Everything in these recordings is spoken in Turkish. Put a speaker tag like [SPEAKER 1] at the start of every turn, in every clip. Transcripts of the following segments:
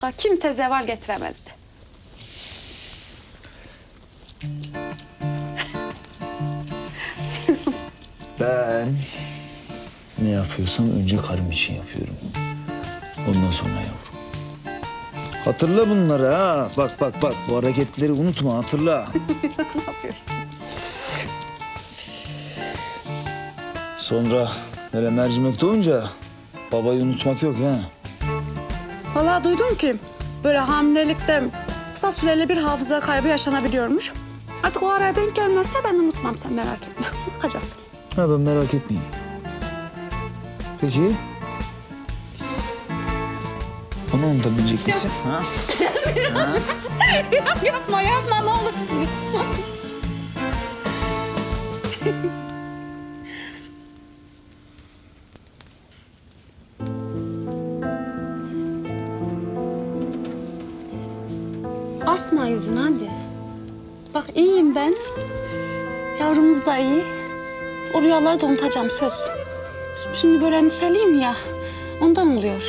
[SPEAKER 1] kimse zeval getiremezdi.
[SPEAKER 2] Ben ne yapıyorsam önce karım için yapıyorum. Ondan sonra yavrum. Hatırla bunları ha. Bak. Bu hareketleri unutma, hatırla.
[SPEAKER 1] Ne yapıyorsun?
[SPEAKER 2] Sonra böyle mercimek doğunca babayı unutmak yok ha.
[SPEAKER 1] Vallahi duydum ki böyle hamilelikte kısa süreli bir hafıza kaybı yaşanabiliyormuş. Artık o araya denk gelmezse ben unutmam, sen merak etme. Bakacağız.
[SPEAKER 2] Ha, ben merak etmeyeyim. Peki. Onu unutabilecek misin? Ha?
[SPEAKER 1] Yapma ne olursun. Asma yüzünü hadi. Bak iyiyim ben. Yavrumuz da iyi. O rüyaları da unutacağım söz. Şimdi böyle endişeliyim ya. Ondan oluyor.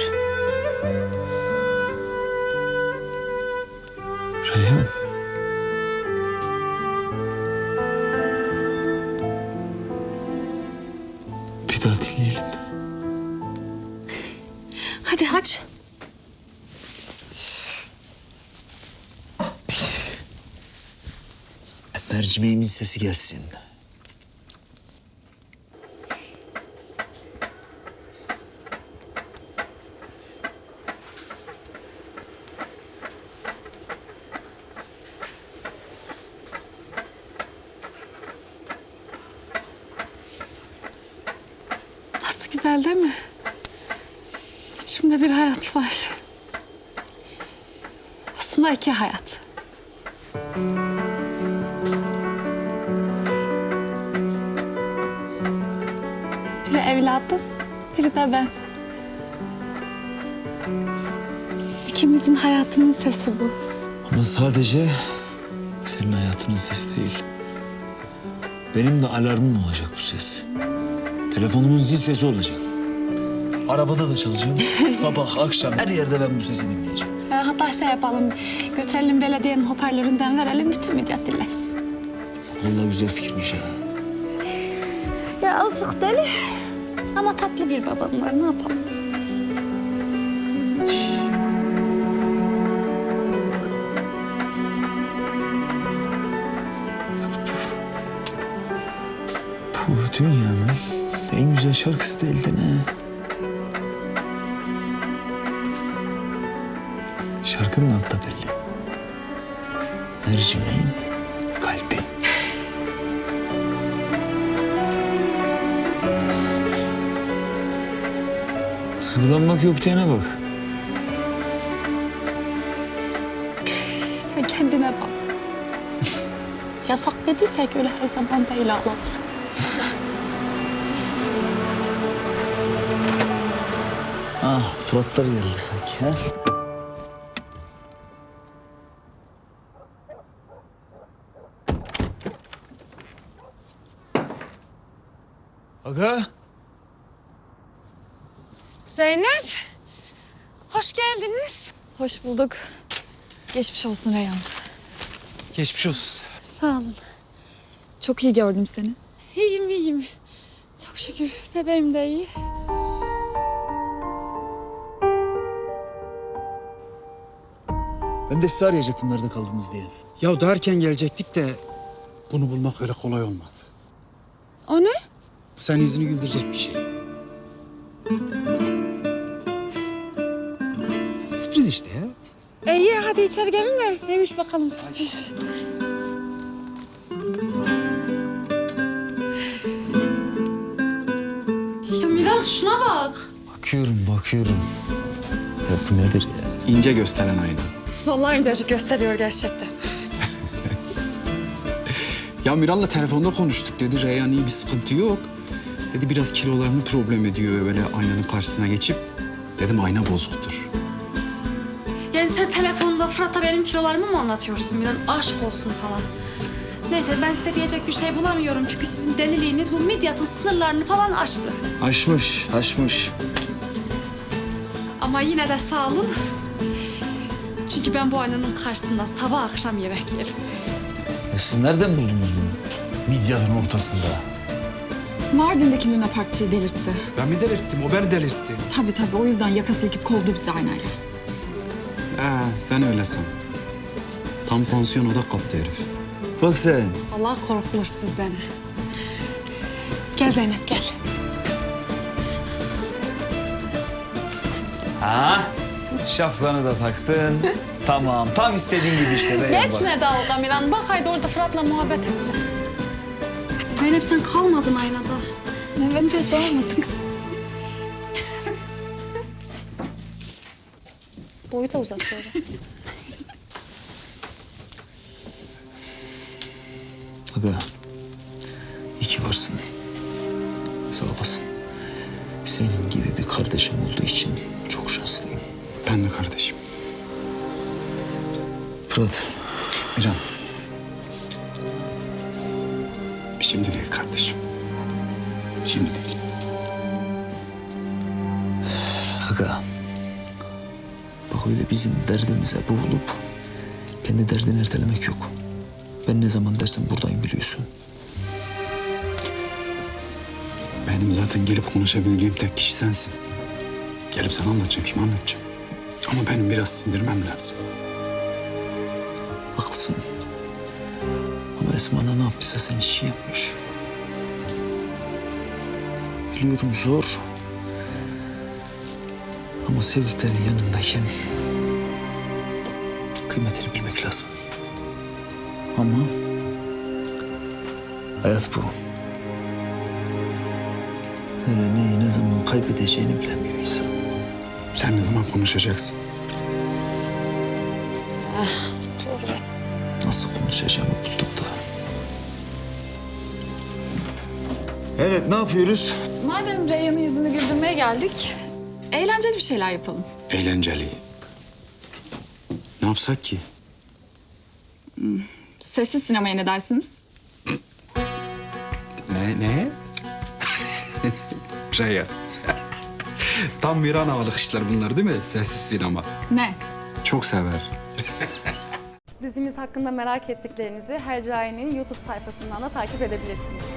[SPEAKER 2] Reyhan. Bir daha dinleyelim.
[SPEAKER 1] Hadi aç.
[SPEAKER 2] Mercimeğimin sesi gelsin.
[SPEAKER 1] Nasıl güzel değil mi? İçimde bir hayat var. Aslında iki hayat. Biri evladım, biri de ben. İkimizin hayatının sesi bu.
[SPEAKER 2] Ama sadece senin hayatının sesi değil. Benim de alarmım olacak bu ses. Telefonumun zil sesi olacak. Arabada da çalacağım. Sabah, akşam her yerde ben bu sesi dinleyeceğim.
[SPEAKER 1] Hatta şey yapalım, götürelim belediyenin hoparlöründen verelim, bütün millet dinlesin.
[SPEAKER 2] Vallahi güzel fikirmiş ha.
[SPEAKER 1] Ya azıcık deli ama tatlı bir babam var, ne yapalım?
[SPEAKER 2] Bu dünyanın en güzel şarkısı değildi ne? Şarkının adı da belli. Mercimeğin kalbi. Duygulanmak yok diyene bak.
[SPEAKER 1] Sen kendine bak. Yasak dediysek öyle her zaman değil ağlam.
[SPEAKER 2] Ah, Fıratlar geldi sanki ha? Aga.
[SPEAKER 1] Zeynep, hoş geldiniz.
[SPEAKER 3] Hoş bulduk. Geçmiş olsun Reyhan.
[SPEAKER 4] Geçmiş olsun.
[SPEAKER 1] Sağ olun.
[SPEAKER 3] Çok iyi gördüm seni.
[SPEAKER 1] İyiyim. Çok şükür bebeğim de iyi.
[SPEAKER 2] Ben de sizi arayacaktım nerede kaldınız diye.
[SPEAKER 4] Ya daha erken gelecektik de bunu bulmak öyle kolay olmadı.
[SPEAKER 1] O ne?
[SPEAKER 4] Bu senin yüzünü güldürecek bir şey. Sürpriz işte ya.
[SPEAKER 1] İyi hadi içeri gelin de neymiş bakalım sürpriz. Ya Miral şuna bak.
[SPEAKER 2] Bakıyorum. Ya bu nedir ya?
[SPEAKER 4] İnce gösteren ayna.
[SPEAKER 1] Vallahi incecik gösteriyor gerçekten.
[SPEAKER 4] Ya Miral'la telefonda konuştuk dedi. Reyhan iyi bir sıkıntı yok. Dedi biraz kilolarını problem ediyor böyle aynanın karşısına geçip. Dedim ayna bozuktur.
[SPEAKER 1] Yani sen telefonda Fırat'a benim kilolarımı mı anlatıyorsun Miran? Aşk olsun sana. Neyse ben size diyecek bir şey bulamıyorum çünkü sizin deliliğiniz bu midyatın sınırlarını falan aştı.
[SPEAKER 2] Aşmış.
[SPEAKER 1] Ama yine de sağ olun. Çünkü ben bu aynanın karşısında sabah akşam yemek yerim.
[SPEAKER 2] Siz nereden buldunuz bunu? Midyatın ortasında.
[SPEAKER 3] Mardin'deki Luna Parkçı'yı delirtti.
[SPEAKER 4] Ben mi delirttim? O beni delirtti.
[SPEAKER 3] Tabii o yüzden yakası ilkip kovdu bizi aynayla.
[SPEAKER 4] Sen öyle san. Tam pansiyon oda kaptı herif.
[SPEAKER 2] Bak sen.
[SPEAKER 1] Allah korkulur sizden. Gel Zeynep gel.
[SPEAKER 2] Ha? Şapkanı da taktın. Tamam. Tam istediğin gibi işte. Reyhan bak.
[SPEAKER 1] Geçme dalga Miran. Bak haydi orada Fırat'la muhabbet etsin. Zeynep sen kalmadın aynada.
[SPEAKER 3] Evet hiç olmadık.
[SPEAKER 1] Boyu da uzat sonra.
[SPEAKER 2] Aga. İyi ki varsın. Sağ olasın. Senin gibi bir kardeşim olduğu için çok şanslıyım.
[SPEAKER 4] Ben de kardeşim.
[SPEAKER 2] Fırat.
[SPEAKER 4] Miran. Şimdi değil kardeşim. Şimdi değil.
[SPEAKER 2] Aga. Bak öyle bizim derdimize boğulup kendi derdini ertelemek yok. Ben ne zaman dersen buradayım biliyorsun.
[SPEAKER 4] Benim zaten gelip konuşabildiğim tek kişi sensin. Gelip sana anlatacağım, kim anlatacağım. Ama benim biraz sindirmem lazım.
[SPEAKER 2] Haklısın. Ama Esma'na ne yaptıysa sen hiç iyi yapmış. Biliyorum zor. Ama sevdiklerin yanındayken kıymetini bilmek lazım. Ama hayat bu. Hele neyi ne zaman kaybedeceğini bilemiyor insan.
[SPEAKER 4] Sen ne zaman konuşacaksın?
[SPEAKER 2] Nasıl konuşacağımı bulduk da. Evet, ne yapıyoruz?
[SPEAKER 3] Madem Reyhan'ın yüzünü güldürmeye geldik, eğlenceli bir şeyler yapalım.
[SPEAKER 4] Eğlenceli. Ne yapsak ki?
[SPEAKER 3] Sessiz sinemaya ne dersiniz?
[SPEAKER 4] Ne? Reyhan. Tam Miran havalık işler bunlar değil mi? Sessiz sinema.
[SPEAKER 3] Ne?
[SPEAKER 4] Çok sever.
[SPEAKER 5] Dizimiz hakkında merak ettiklerinizi Hercai'nin YouTube sayfasından da takip edebilirsiniz.